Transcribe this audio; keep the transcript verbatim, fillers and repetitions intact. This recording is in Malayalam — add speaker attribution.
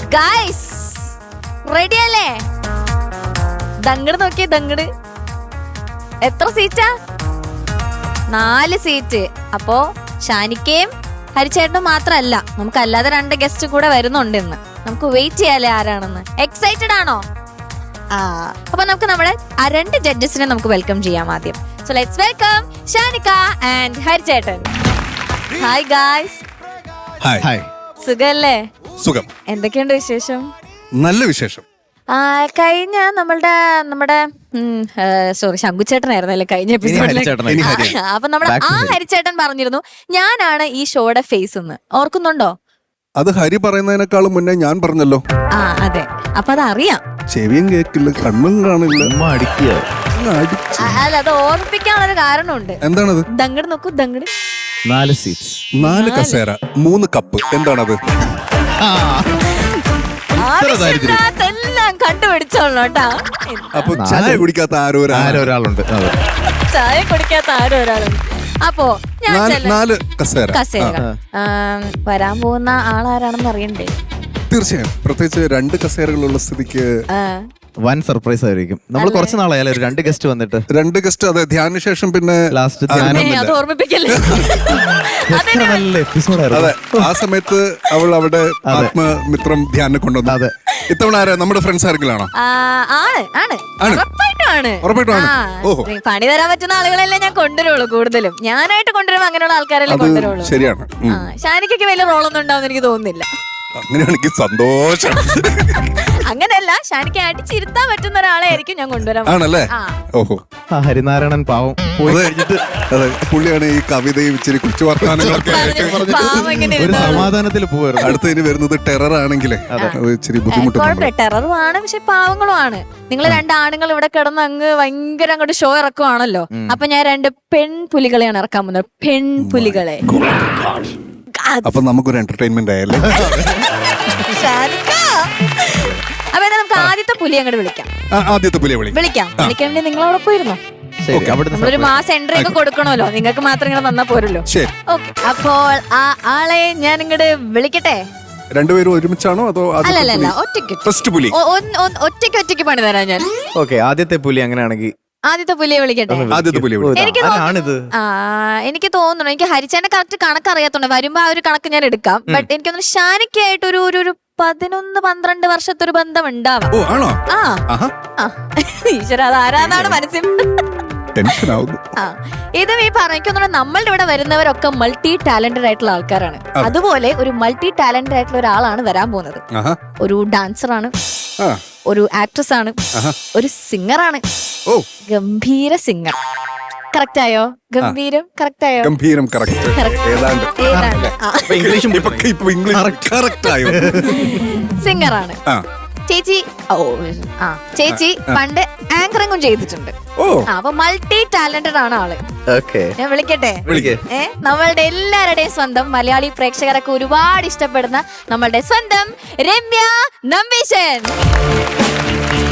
Speaker 1: ഗൈസ് റെഡി അല്ലേ? ദങ്ങട് നോക്കിയേ, ദങ്ങട്. എത്ര സീറ്റാ? നാല് സീറ്റ്. അപ്പോ ഷാനിക്കയും ഹരിച്ചേട്ടനും മാത്രല്ല, നമുക്ക് അല്ലാതെ രണ്ട് ഗസ്റ്റ് കൂടെ വരുന്നുണ്ട് ഇന്ന്. നമുക്ക് വെയിറ്റ് ചെയ്യാലേ ആരാണെന്ന്. എക്സൈറ്റഡ് ആണോ? ആ അപ്പൊ നമുക്ക് നമ്മുടെ ആ രണ്ട് ജഡ്ജസിനെ നമുക്ക് വെൽക്കം ചെയ്യാം ആദ്യം. So let's welcome Shanika and ഹരിച്ചേട്ടൻ. Hi guys.
Speaker 2: ഹായ്. ഹായ്.
Speaker 1: സുഖല്ലേ?
Speaker 2: സുഖം.
Speaker 1: എന്തൊക്കെയുണ്ട് വിശേഷം?
Speaker 2: നല്ല വിശേഷം.
Speaker 1: ആ കഴിഞ്ഞ നമ്മളുടെ നമ്മുടെ സോറി ശങ്കുച്ചേട്ടനായിരുന്നല്ലേ കഴിഞ്ഞ എപ്പിസോഡിൽ. അപ്പൊ നമ്മുടെ ആ ഹരിച്ചേട്ടൻ പറഞ്ഞിരുന്നു ഞാനാണ് ഈ ഷോയുടെ ഫേസ് എന്ന്. ഓർക്കുന്നുണ്ടോ?
Speaker 2: അത് ഹരി പറയുന്നതിനേക്കാളും മുന്നേ ഞാൻ പറഞ്ഞല്ലോ.
Speaker 1: ആ അതെ. അപ്പൊ അത് അറിയാം.
Speaker 2: ചെവിയും കേക്കില്ല, കണ്ണും കാണില്ല.
Speaker 1: അല്ല, അത് ഓർമ്മിപ്പിക്കാനുള്ളൊരു കാരണമുണ്ട്.
Speaker 2: എന്താണത്?
Speaker 1: ദങ്ങട് നോക്കൂ, ദങ്ങട്.
Speaker 3: നാല് സീറ്റ്സ്,
Speaker 2: നാല് കസേര, മൂന്ന് കപ്പ്. എന്താണത്?
Speaker 1: എല്ലാം കണ്ടുപിടിച്ചോളൂ കേട്ടാ.
Speaker 2: അപ്പൊ ചായ കുടിക്കാത്ത ആരോ
Speaker 3: ഒരാളുണ്ട്.
Speaker 1: ചായ കുടിക്കാത്ത ആരോ ഒരാളുണ്ട്. അപ്പോ
Speaker 2: നാല് കസേര.
Speaker 1: കസേര വരാൻ പോകുന്ന ആളാരാണെന്ന് അറിയണ്ടേ?
Speaker 2: തീർച്ചയായും. പ്രത്യേകിച്ച് രണ്ട് കസേരകളുള്ള സ്ഥിതിക്ക്
Speaker 3: വൻ സർപ്രൈസ് ആയിരിക്കും. നമ്മൾ കുറച്ച് നാളായാലും രണ്ട് ഗസ്റ്റ് വന്നിട്ട്. രണ്ട്
Speaker 2: ഗസ്റ്റ് അതെ. ധ്യാന ശേഷം പിന്നെ
Speaker 3: ലാസ്റ്റ്
Speaker 1: അത് ഓർമ്മിപ്പിക്കല്ലേ.
Speaker 2: അതെ, ആ സമയത്ത് അവൾ അവിടെ ആത്മമിത്രം ധ്യാനം കൊണ്ടുവന്നു. അതെ. ഇത്തവണ ആരാ? നമ്മുടെ ഫ്രണ്ട്സ് ആരെങ്കിലാണോ?
Speaker 1: പണി തരാൻ പറ്റുന്ന ആളുകളെല്ലാം ഞാൻ കൊണ്ടുവരുള്ളൂ. കൂടുതലും ഞാനായിട്ട് കൊണ്ടുവരുമ്പോ അങ്ങനെയുള്ള ആൾക്കാരെല്ലാം കൊണ്ടുവരുള്ളൂ.
Speaker 2: ശരിയാണ്.
Speaker 1: ഷാനിക്കൊക്കെ വലിയ റോളൊന്നും ഉണ്ടാവുന്ന എനിക്ക് തോന്നുന്നില്ല.
Speaker 2: അങ്ങനെയാണെങ്കിൽ സന്തോഷം.
Speaker 1: അങ്ങനെയല്ല, ഷാനിക്ക് അടിച്ചിരുത്താൻ പറ്റുന്ന ഒരാളെ ആയിരിക്കും ഞാൻ കൊണ്ടുവരാൻ.
Speaker 2: ആണല്ലേ? ഓഹോ.
Speaker 3: ഹരിനാരായണൻ പാവം പോയി കഴിഞ്ഞിട്ട്
Speaker 2: അതെ, പുള്ളിയാണ് ഈ കവിതയും ഇച്ചിരി കൊച്ചു വർത്താനങ്ങളൊക്കെ
Speaker 3: ഒരു സമാധാനത്തിൽ പോവായിരുന്നു.
Speaker 2: അടുത്ത് ഇനി വരുന്നത് ടെറർ ആണെങ്കിലേ അത് ഇച്ചിരി ബുദ്ധിമുട്ടുണ്ട്.
Speaker 1: ടെററും ആണ്, പക്ഷെ പാവങ്ങളും ആണ്. നിങ്ങൾ രണ്ടാണുങ്ങൾ ഇവിടെ കിടന്ന് അങ്ങ് ഭയങ്കര അങ്ങോട്ട് ഷോ ഇറക്കുവാണല്ലോ. അപ്പൊ ഞാൻ രണ്ട് പെൺപുലികളെയാണ് ഇറക്കാൻ പോകുന്നത്. പെൺപുലികളെ.
Speaker 2: അപ്പൊ നമുക്കൊരു എന്റർടൈൻമെന്റ് ആയല്ലേ.
Speaker 1: അപ്പൊ നമുക്ക് ആദ്യത്തെ പുലി അങ്ങോട്ട് വിളിക്കാം.
Speaker 2: ആദ്യത്തെ പുലിയെ
Speaker 1: വിളിക്കാം. വിളിക്കാൻ വേണ്ടി നിങ്ങൾ അവിടെ പോയിരുന്നോ? നമ്മളൊരു മാസം എൻട്രി ഒക്കെ കൊടുക്കണമല്ലോ. നിങ്ങൾക്ക് മാത്രം ഇങ്ങനെ തന്നാ പോരല്ലോ. ഓക്കെ, അപ്പോൾ ആ ആളെ ഞാൻ ഇങ്ങോട്ട് വിളിക്കട്ടെ.
Speaker 2: രണ്ടുപേരും ഒരുമിച്ചാണോ അതോ?
Speaker 1: അല്ലല്ല, ഒറ്റയ്ക്ക് ഒറ്റയ്ക്ക് ഒറ്റയ്ക്ക് പണി തരാം ഞാൻ.
Speaker 3: ഓക്കെ, ആദ്യത്തെ പുലി അങ്ങനെയാണെങ്കിൽ
Speaker 1: ആദ്യത്തെ പുലിയെ വിളിക്കട്ടെ. എനിക്ക് എനിക്ക് തോന്നുന്നു, എനിക്ക് ഹരിച്ചേന്റെ കറക്റ്റ് കണക്ക് അറിയാത്തോണ്ട് വരുമ്പോ ആ ഒരു കണക്ക് ഞാൻ എടുക്കാം. ബട്ട് എനിക്ക് തോന്നുന്നു ഷാനിക്കായിട്ട് ഒരു ഒരു പതിനൊന്ന് പന്ത്രണ്ട് വർഷത്തെ ഒരു ബന്ധം ഉണ്ടാവാം. ആ ഈശ്വര, അത് ആരാന്നാണ് മനസ്സിൽ. ഇതും ഈ പറഞ്ഞ നമ്മളുടെ ഇവിടെ വരുന്നവരൊക്കെ മൾട്ടി ടാലന്റഡ് ആയിട്ടുള്ള ആൾക്കാരാണ്. അതുപോലെ ഒരു മൾട്ടി ടാലന്റഡ് ആയിട്ടുള്ള ഒരാളാണ് വരാൻ പോകുന്നത്. ഒരു ഡാൻസർ ആണ്, ഒരു ആക്ട്രസ് ആണ്, ഒരു സിംഗർ ആണ്. ഗംഭീര സിംഗർ. കറക്റ്റ് ആയോ? ഗംഭീരം കറക്റ്റ് ആയോ?
Speaker 2: ഗംഭീരം കറക്റ്റ്.
Speaker 1: സിംഗർ ആണ് ചേച്ചി. ഓ ആ ചേച്ചി പണ്ട് ആങ്കറിങ്ങും ചെയ്തിട്ടുണ്ട്. അപ്പൊ മൾട്ടി ടാലന്റഡ് ആണ് ആള്. ഞാൻ വിളിക്കട്ടെ? ഏ നമ്മളുടെ എല്ലാവരുടെയും സ്വന്തം മലയാളി പ്രേക്ഷകരൊക്കെ ഒരുപാട് ഇഷ്ടപ്പെടുന്ന നമ്മളുടെ സ്വന്തം രമ്യ നമ്പീശൻ.